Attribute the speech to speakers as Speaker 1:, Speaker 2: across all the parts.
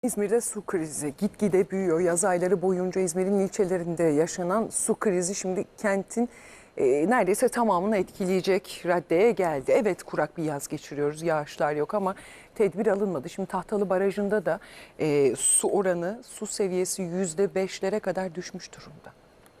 Speaker 1: İzmir'de su krizi gitgide büyüyor. Yaz ayları boyunca İzmir'in ilçelerinde yaşanan su krizi şimdi kentin neredeyse tamamını etkileyecek raddeye geldi. Evet, kurak bir yaz geçiriyoruz, yağışlar yok ama tedbir alınmadı. Şimdi Tahtalı Barajı'nda da su oranı, su seviyesi %5'lere kadar düşmüş durumda.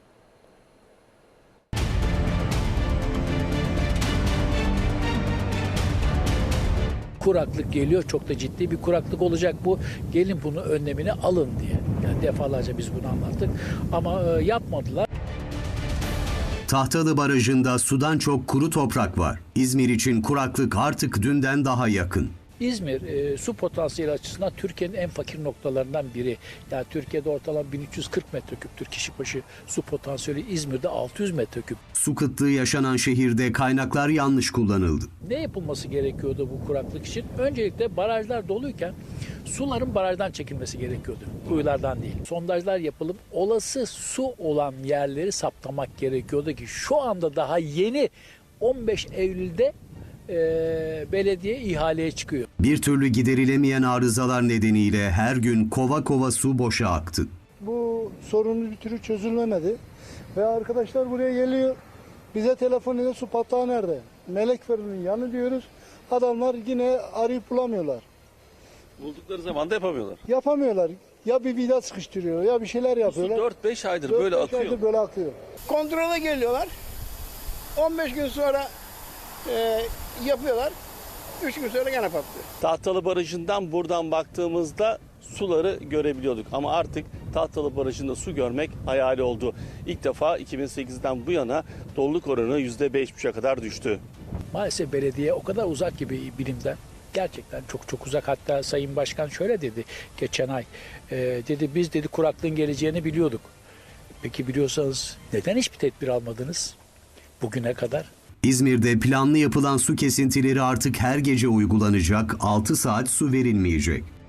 Speaker 2: Kuraklık geliyor, çok da ciddi bir kuraklık olacak bu. Gelin bunu önlemini alın diye. Yani defalarca biz bunu anlattık ama yapmadılar.
Speaker 3: Tahtalı Barajı'nda sudan çok kuru toprak var. İzmir için kuraklık artık dünden daha yakın.
Speaker 2: İzmir su potansiyeli açısından Türkiye'nin en fakir noktalarından biri. Yani Türkiye'de ortalama 1340 metreküptür kişi başı su potansiyeli. İzmir'de 600 metreküp.
Speaker 3: Su kıtlığı yaşanan şehirde kaynaklar yanlış kullanıldı.
Speaker 2: Ne yapılması gerekiyordu bu kuraklık için? Öncelikle barajlar doluyken suların barajdan çekilmesi gerekiyordu. Kuyulardan değil. Sondajlar yapılıp olası su olan yerleri saptamak gerekiyordu ki şu anda daha yeni 15 Eylül'de belediye ihaleye çıkıyor.
Speaker 3: Bir türlü giderilemeyen arızalar nedeniyle her gün kova kova su boşa aktı.
Speaker 4: Bu sorunun bir türlü çözülmedi. Ve arkadaşlar buraya geliyor. Bize telefon ediyor, su patlağı nerede? Melekfer'in yanı diyoruz. Adamlar yine arayıp bulamıyorlar.
Speaker 5: Buldukları zaman da yapamıyorlar.
Speaker 4: Yapamıyorlar. Ya bir vida sıkıştırıyor ya bir şeyler yapıyorlar.
Speaker 5: 4-5 aydır böyle
Speaker 4: 4-5
Speaker 5: akıyor.
Speaker 4: aydır böyle akıyor.
Speaker 6: Kontrole geliyorlar. 15 gün sonra yapıyorlar. 3 gün sonra gene patlıyor.
Speaker 5: Tahtalı Barajı'ndan buradan baktığımızda suları görebiliyorduk. Ama artık Tahtalı Barajı'nda su görmek hayali oldu. İlk defa 2008'den bu yana doluluk oranı %5,5'e kadar düştü.
Speaker 2: Maalesef belediye o kadar uzak gibi bilimden. Gerçekten çok çok uzak. Hatta Sayın Başkan şöyle dedi geçen ay. Dedi biz dedi kuraklığın geleceğini biliyorduk. Peki biliyorsanız neden hiçbir tedbir almadınız bugüne kadar?
Speaker 3: İzmir'de planlı yapılan su kesintileri artık her gece uygulanacak, 6 saat su verilmeyecek.